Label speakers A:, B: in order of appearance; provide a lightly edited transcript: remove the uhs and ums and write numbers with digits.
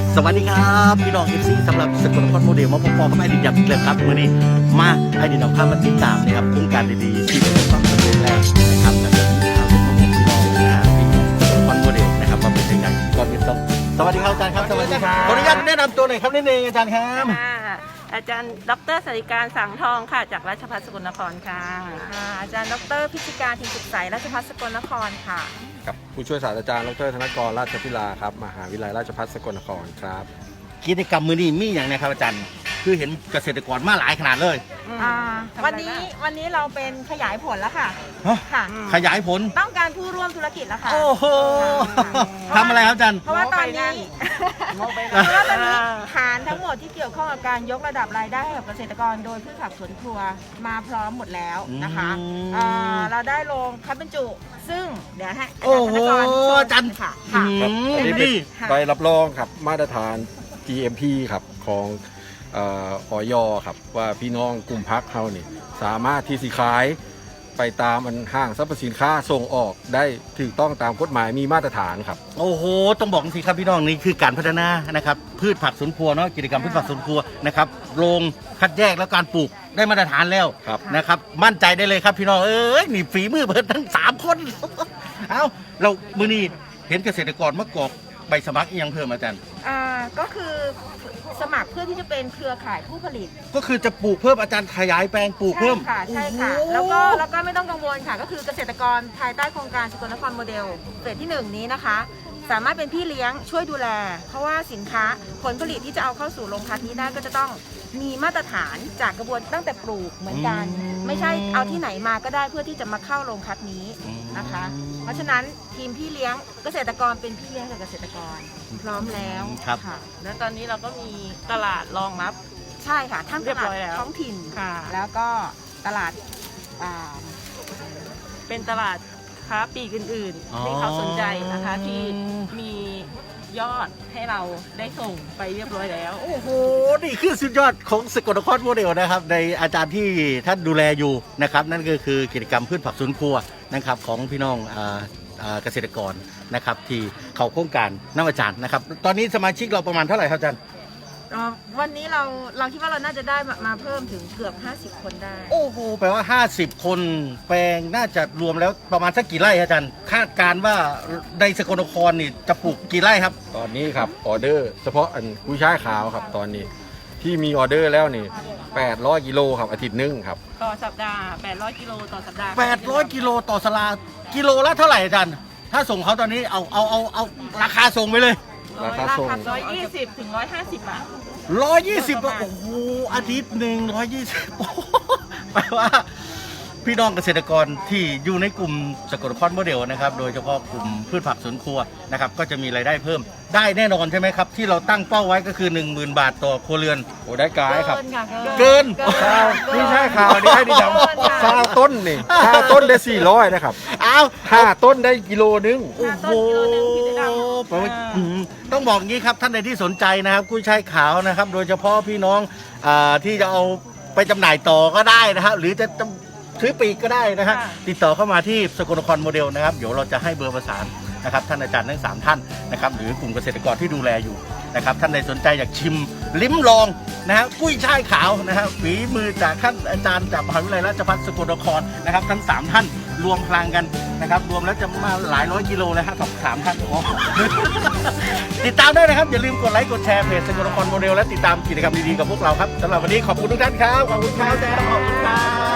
A: สวัสดีครับพี่น้องFCสำหรับสกลนครโมเดลมาพบกับไอดินยับอีกแล้วครับวันนี้มาไอดินเอาข้ามาติดตามนะครับโครงการดีๆที่ประสบความสำเร็จแล้วนะครับและก็มีข่าวเป็นข้อมูลพี่น้องนะที่สกลนครโมเดลนะครับมาเป็นยังไงก่อนอื่นต้องสวัสดีครับอาจารย์ครับสวัสดีครับขออนุญาตแนะนำตัวหน่อยครับนิดนึงอาจารย์ครับ
B: อาจารย์ดร.สริการสังทองค่ะจากราชภัฏสกลนครค่ะอาจารย์ดร.พิชิการทิมสุขใสราชภัฏสกลนครค่ะ
C: กับผู้ช่วยศาสตราจารย์ดร.ธนกรราชพิลาครับมหาวิทยาลัยราชภัฏสกลนครครับ
A: กิจกรรมมือนี้มีอย่างนะครับอาจารย์คือเห็นเกษตรกรมาหลายขนาดเลย
B: วันนี้เราเป็นขยายผลแล้วค่ะ ค่ะ
A: ขยายผล
B: ต้องการผู้ร่วมธุรกิจแล้วค่ะ
A: โอ้โหทำอะไรครับอาจารย์
B: เพราะว่าตอนนี้ฐานทั้งหมดที่เกี่ยวข้องกับการยกระดับรายได้ให้กับเกษตรกรโดยพืชผักสวนครัวมาพร้อมหมดแล้วนะคะเราได้ลงคัดบรรจุซึ่งเดี๋ยวให้
A: โอ้โห
B: อาจารย์ค่ะ
A: อืม
C: อันนี้เป็น
A: นี่
C: ใบรับรองครับมาตรฐาน GMP ครับของอย.ครับว่าพี่น้องกลุ่มพักเขานี่สามารถที่สิขายไปตามอันห้างสรรพสินค้าส่งออกได้ถูกต้องตามกฎหมายมีมาตรฐานครับ
A: โอ้โหต้องบอกสิครับพี่น้องนี่คือการพัฒนานะครับพืชผักสวนครัวเนาะกิจกรรมพืชผักสวนครัวนะครับโรงคัดแยกแล้วการปลูกได้มาตรฐานแล้ว
C: ครับ
A: นะครับมั่นใจได้เลยครับพี่น้องเอ้ยนี่ฝีมือเพิ่นทั้ง3 คน เอาเรามื้อนี้เห็นเกษตรกรมากรอกใบสมัครอีกยังเพิ่มอาจารย์
B: ก็คือสมัครเพื่อที่จะเป็นเครือข่ายผู้ผลิต
A: ก็คือจะปลูกเพิ่มอาจารย์ขยายแปลงปลูกเพิ่ม
B: ใช่ค่ะ
A: โอ้โห
B: แล้วก็ไม่ต้องกังวลค่ะ ก็คือเกษตรกรภายใต้โครงการสกลนครโมเดลเฟสที่ 1 นี้นะคะ สามารถเป็นพี่เลี้ยงช่วยดูแล เพราะว่าสินค้าผลผลิตที่จะเอาเข้าสู่โรงคัดนี้ได้ก็จะต้องมีมาตรฐานจากกระบวนตั้งแต่ปลูกเหมือนกัน ไม่ใช่เอาที่ไหนมาก็ได้เพื่อที่จะมาเข้าโรงคัดนี้นะคะ เพราะฉะนั้นทีมพี่เลี้ยงเกษตรกรเป็นพี่เลี้ยงกับเกษตรกรพร้อมแล้ว
A: ครับ
B: ค่ะ
D: แล้วตอนนี้เราก็มีตลาดรองรับ
B: ใช่ค่ะทั้ง
D: เรี
B: ต
D: ยบ
B: ลา
D: ร้
B: ด
D: อยแล้ว
B: ท้องถิ่น
D: ค่ะ
B: แล้วก็ตลาด
D: เป็นตลาดค้าปลีกอื่น
A: อ๋อ
D: ๆที่เขาสนใจนะคะที่มียอดให้เราได้ส่งไปเรียบร้อยแล้ว
A: โอ้โห นี่คือสุดยอดของสกลนครโมเดลนะครับในอาจารย์ที่ท่านดูแลอยู่นะครับนั่นก็คือกิจกรรมพืชผักสวนครัวนะครับของพี่น้องเกษตรกรนะครับที่เขาโครงการน้ำอาจารย์นะครับตอนนี้สมาชิกเราประมาณเท่าไหร่ครับอาจารย์
B: วันนี้เราคิดว่าเราน่าจะได้มาเพิ่มถึงเกือบ50 คนได้
A: โอ้โหแปลว่า 50 คนแปลงน่าจะรวมแล้วประมาณสักกี่ไร่ครับอาจารย์คาดการณ์ว่าในสกลนครนี่จะปลูกกี่ไร่ครับ
C: ตอนนี้ครับออเดอร์เฉพาะอันกุ้ยช่ายขาวครับตอนนี้ที่มีออเดอร์แล้วนี่800กิโลครับอาทิตย์หนึงครับ
D: ต่อสัปดาห์ 800 กิโลต่อสัปดาห์
A: 800 กิโลต่อสลากิโลละเท่าไหร่อาจารย์ถ้าส่งเขาตอนนี้เอาราคาส่งไปเลย
C: ราคาส่ง
D: 120 ถึง 150 บาท
A: 120โอ้โหอาทิตย์หนึ่ง120โอ้โหแปลว่าพี่น้องเกษตรกรที่อยู่ในกลุ่มสกลนครโมเดลนะครับโดยเฉพาะกลุ่มพืชผักสวนครัวนะครับก็จะมีรายได้เพิ่มได้แน่นอนใช่ไหมครับที่เราตั้งเป้าไว้ก็คือ 10,000 บาทต่อครัวเรือน
C: โอ้ได้กายครับ
A: เกิน
C: ข้าวกุ้ยช่ายขาวนี่ให้ดีดำข้าวต้นนี่ข้าวต้นได้400นะครับ
A: อ้าว
C: 5 ต้นได้กิโลนึง
A: โอ้โหแปลว่าต้องบอกงี้ครับท่านใดที่สนใจนะครับกุ้ยช่ายขาวนะครับ โดยเฉพาะพี่น้องที่จะเอาไปจำหน่ายต่อก็ได้นะครับหรือจะซื้อปีกก็ได้นะครับติดต่อเข้ามาที่สกลนครโมเดลนะครับเดี๋ยวเราจะให้เบอร์ประสานนะครับท่านอาจารย์ทั้ง3ท่านนะครับหรือกลุ่มเกษตรกรที่ดูแลอยู่นะครับท่านใดสนใจอยากชิมลิ้มลองนะครับกุ้ยช่ายขาวนะครับฝีมือจากท่านอาจารย์จากมหาวิทยาลัยราชภัฏสกลนครนะครับทั้ง3ท่านรวมพลังกันนะครับรวมแล้วจะมาหลายร้อยกิโลเลยฮะกับ3ท่านติดตามได้นะครับอย่าลืมกดไลค์กดแชร์เพจสกลนครโมเดลและติดตามกิจกรรมดีๆกับพวกเราครับสำหรับวันนี้ขอบคุณทุกท่านครับขอบคุณครับขอบคุณครับ